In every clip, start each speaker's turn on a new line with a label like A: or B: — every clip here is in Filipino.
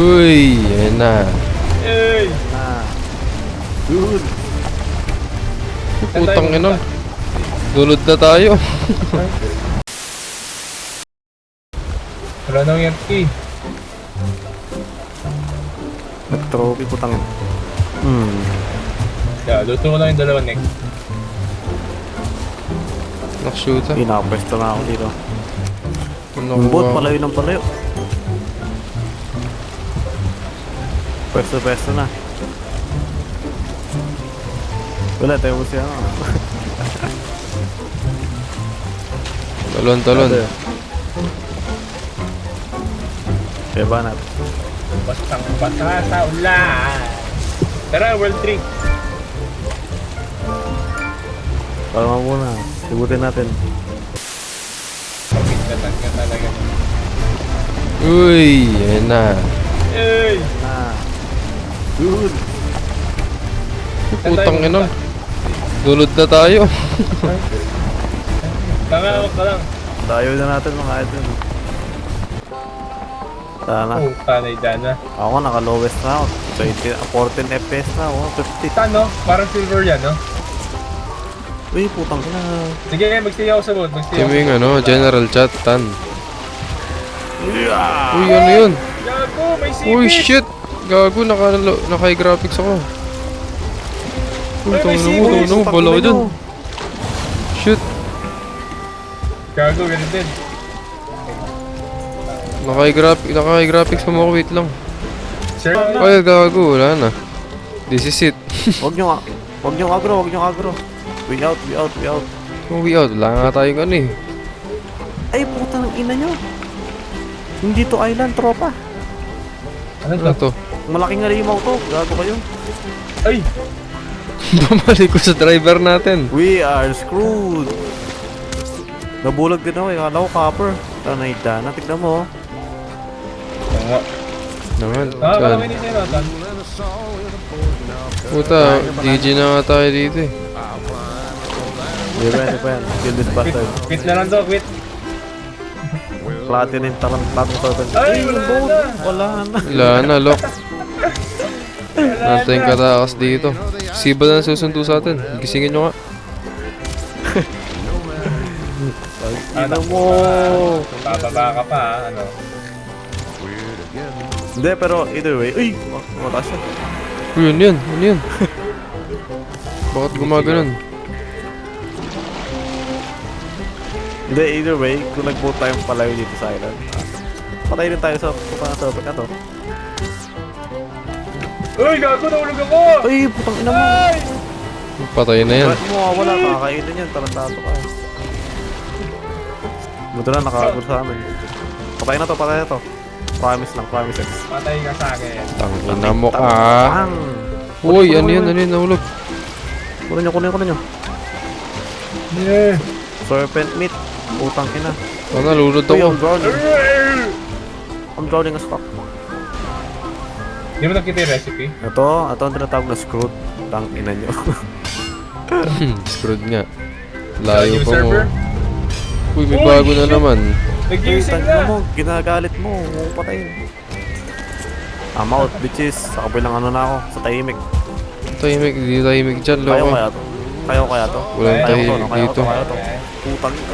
A: Uy, yan na.
B: Hey!
C: Dude.
A: Putang ina. Dulod na tayo.
B: Wala nang empty.
C: Nag-trophy putang.
B: Yeah, luto ko lang yung dalawa neck.
A: Nakashoota.
C: Pinapwesto na ako dito. Yung
A: Nakuha
C: bot,
A: ko.
C: palayo ng palayo. Pwesto na. Wala tayo mo siya.
A: Talon.
C: Kaya ba natin?
B: Bastang basa sa ulan. Tara, World 3.
C: Palama muna. Sibutin natin.
B: Pagkintatan ka talaga.
A: Uy, yan na.
B: Hey!
C: Dude.
A: Putang ina. Dulod na tayo.
B: Tangawag ka lang.
C: Tayo na natin mga idol. Sana.
B: Oh, tanay dana.
C: Ako naka-lowest na ako. 14 FPS na ako. 50.
B: Tano, parang silver yan, no?
C: Uy, putang ina.
B: Sige, magsiya ako sa boat. Magsiya ako.
A: Timing general chat, tan.
C: Yeah!
A: Uy, ano yun?
B: Gago, may sipit!
A: Uy, shit! Gago, naka-graphics ako. Uy,
B: Ay, may
A: tangin mo, bala ko dyan. Shit,
B: Gago, ganun din.
A: naka-graphics mo ako, wait lang.
B: Sure?
A: Ay, gago, wala na. This is it.
C: Wag nyo agro. We out.
A: Uwi out, wala nga tayong ano eh.
C: Ay, puta ng ina nyo. Hindi to island, tropa.
B: Ano
A: Ano
B: to?
A: to?
C: Malaking halimaw to. Gago kayo.
B: Ay!
A: Bumalik ko sa driver natin.
C: We are screwed. Nabulag din ako eh. Kala ko copper. Tanay dana. Tignan mo.
B: Oo.
A: Naman,
B: Parang
A: saan?
B: hindi siya natan.
A: Puta, GG na nga tayo dito eh.
C: Di ba yan? Kill this bastard.
B: Quit na lang to, quit.
C: Platinum platinum turtle.
B: Ay, wala na.
C: Wala na.
A: Wala na, lock. Nantay katakas dito. Siba na susundo sa atin. Gisingin nyo nga.
C: Ina mo.
B: Bababa ka pa, ha? Ano?
C: Hindi, pero either way. Uy! Wala siya.
A: Uy, ano yan? Bakit gumaganon?
C: Hindi, either way. Kung nag-vote tayong palayo dito sa island. Patay rin tayo sa server na to.
B: Uy, gago, nahulog ako!
C: Uy! Putang ina mo.
B: Ay!
A: Patay na yan.
C: Bakit mo wala? Kakainin yan. Tarantado ka. Buto na, nakakagod sa amin. Patay na to. Promise lang, promises.
B: Patay ka sa akin.
A: Tangina mo ka.
C: Bang!
A: Uy, ano yan, nahulog.
C: Kunin nyo.
B: Yeah.
C: Serpent meat. Putang ina.
A: Nalulod
C: Uy,
A: ako.
C: I'm drowning as fuck.
B: Hindi mo nakita yung recipe?
C: Ito ang tinatawag na screwed. Tang ina nyo.
A: Screwed nga. Layo
B: New
A: pa mo.
B: server?
A: Uy, may
B: Uy,
A: bago na
B: shit.
A: naman.
B: Nag-using
C: Tangina
B: na!
C: mo, ginagalit mo. Huwag mo patayin. I'm out, bitches. Sa kabilang ano na ako, sa tahimik.
A: Tahimik, di tahimik dyan,
C: Kaya
A: loko.
C: kaya to?
A: Walang
C: Kaya ko to,
A: tahimik
C: no? Kaya ko
A: dito.
C: to, kaya to. Putang ina.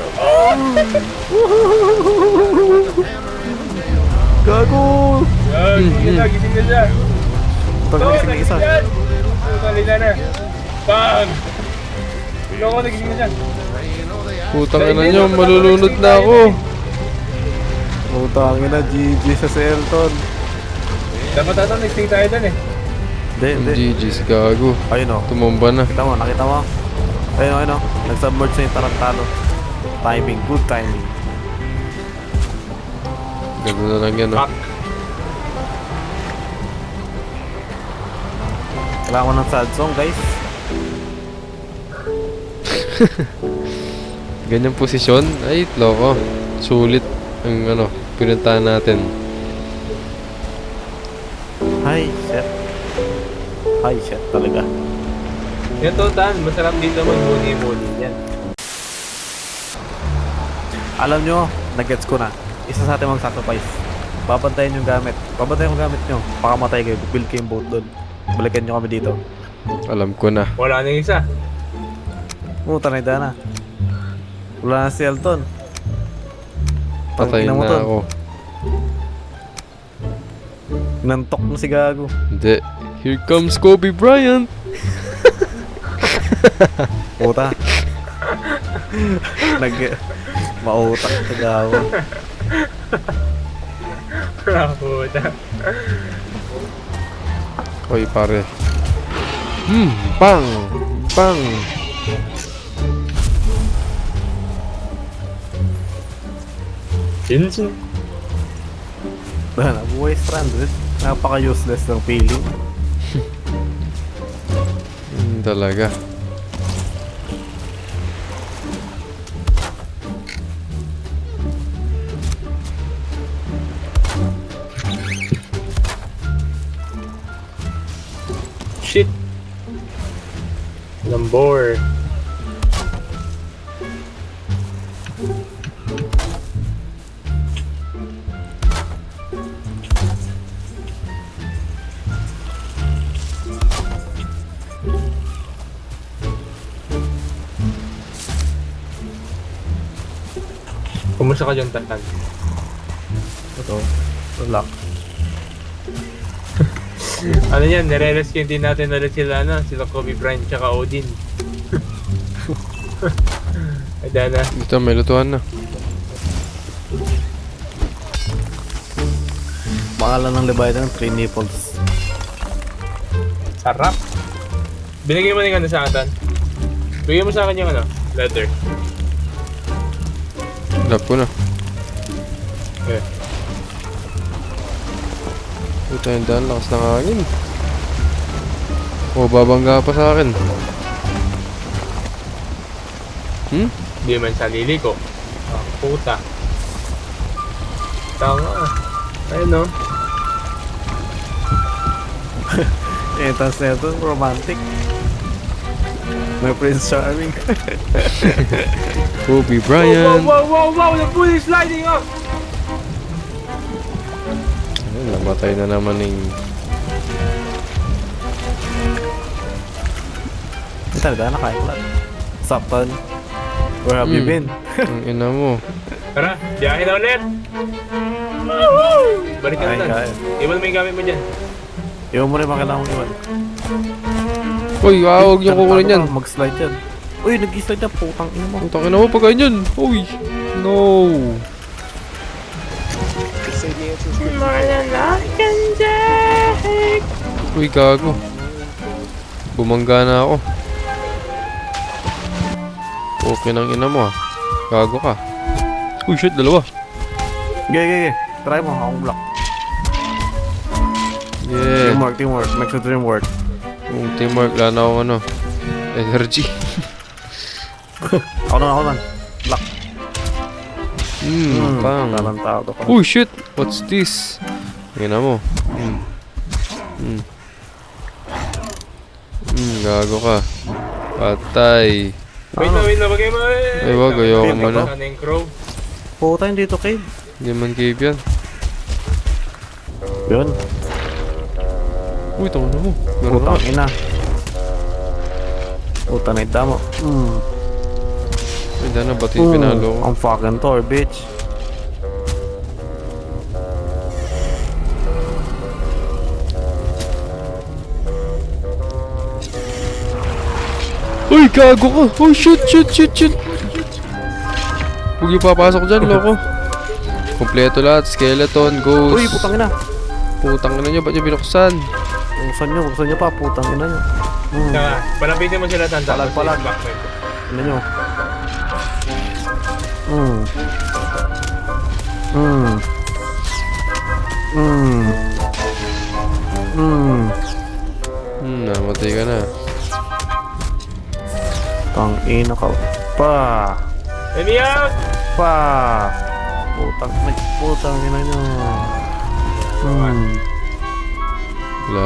C: Gago!
B: Yan, gising na siya.
C: Putang ina, gising na isa.
B: Talina na. Bang! Loko, nagising na siya.
A: Putang ina nyo, malulunod na ako.
C: Putang ina, GG sa Selton.
B: Dapat ata nag-stay tayo dun eh.
C: Hindi.
A: GG's, gago.
C: Ayun o.
A: Tumumba na.
C: Nakita mo? Ayun o. Nag-submerge na yung tarantado. Timing, good timing.
A: Ganda na lang yan, oh.
C: Kailangan ko ng sad song, guys.
A: Ganyang posisyon, ay, loko. Sulit ang pinuntahan natin.
C: Hi, shit talaga.
B: Ito, Tan. Masarap dito mag-muni-muni yan.
C: Alam nyo, nag-gets ko na. Isa sa atin mag-sacrifice. Babantayan yung gamit. Babantayan yung gamit nyo. Pakamatay kayo. Build kayong boat doon. Balikan nyo kami dito.
A: Alam ko na.
B: Wala na yung isa.
C: Tanay na. Wala na si Elton.
A: Patay
C: Tangina
A: na
C: mo, Ton.
A: ako.
C: Nantok na si Gago.
A: Hindi. Here comes Kobe Bryant.
C: Puta. Mautak si Gago.
B: Puta.
A: Oy, pare. Bang! Bang!
B: Yun.
C: Buhay stranded. Napaka-useless ng feeling.
A: Talaga.
B: Shit. Lambor. Kumusta ka dyan, Tantan?
C: Ito. Relax.
B: Ano yan, nire-rescue din natin ulit sila, sila Kobe Bryant tsaka Odin. Ay, na.
A: Dito, may lutuan na.
C: Pangalan ng Leviathan ng 3 nipples.
B: Sarap. Binigay mo na yung sa akin, Tan. Bigay mo sa akin yung letter.
A: Lap ko na.
B: Okay.
A: Ito yung daan, lakas ng hangin. Babangga pa sa akin.
B: Hindi man sa lili ko. Ah, puta. Tanga. Ayun, no?
C: Tapos na ito, romantic. May Prince Charming.
A: Kobe Bryant.
B: Wow! The pool is sliding up!
A: Ayun, namatay na naman yung...
C: Ito talaga, nakain ko lang. Sapton, where have you been?
A: Ang ina mo.
B: Tara, biyahe na ulit! Woohoo! Balik ka na, Tan.
C: Kain.
B: Iwan mo yung gamit mo dyan.
C: Iwan mo rin mga kailangan mo iwan.
A: Uy, huwag niyo kukunin yan.
C: Mag-slide yan. Uy, nag-slide yan. Putang ina mo.
A: Ang takin na mo pag ganyan. Uy, no. Uy, gago. Bumangga na ako. Okay nang ina mo, ah. Gago ka. Uy, shit, dalawa.
C: Okay. Try mo, akong block.
A: Yeah.
C: Teamwork. Make sure teamwork.
A: Yung teamwork, wala na akong energy.
C: Ako na. Block.
A: Pang.
C: Talantado ka.
A: Oh shit! What's this? Tingnan mo. Gago ka. Patay.
B: Wait na, bagay mo.
A: Ay, wag, ayoko muna.
B: Sana yung crow.
C: Puta, hindi to cave.
A: Hindi man cave yan.
C: Yun.
A: Uy, taon na mo. Meron na.
C: Putang ina. Puta na ita mo.
A: Ay, dana, ba't yung pinalo ko?
C: Ang fucking Thor, bitch.
A: Uy, gago ka! Oh, shit! Huwag yung papasok dyan, loko. Kompleto lahat. Skeleton, ghost.
C: Uy, putang ina.
A: Putang ina nyo, ba't nyo binuksan?
C: Buksan nyo pa, putang ina nyo.
B: Saka, palapitin mo sila, Tan.
C: Palag. Ano nyo?
A: Namatay ka na.
C: Tang ina ka. Pa!
B: Let me out!
C: Putang ina nyo.
A: Wala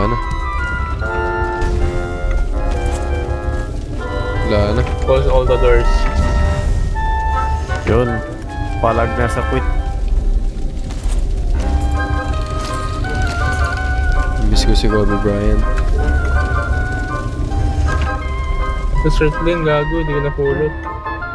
A: na.
B: Close all the doors.
C: Yun. Palag na sa quit.
A: ko si Kobe Bryant.
B: Sa shirt din, gago, hindi ko napulot.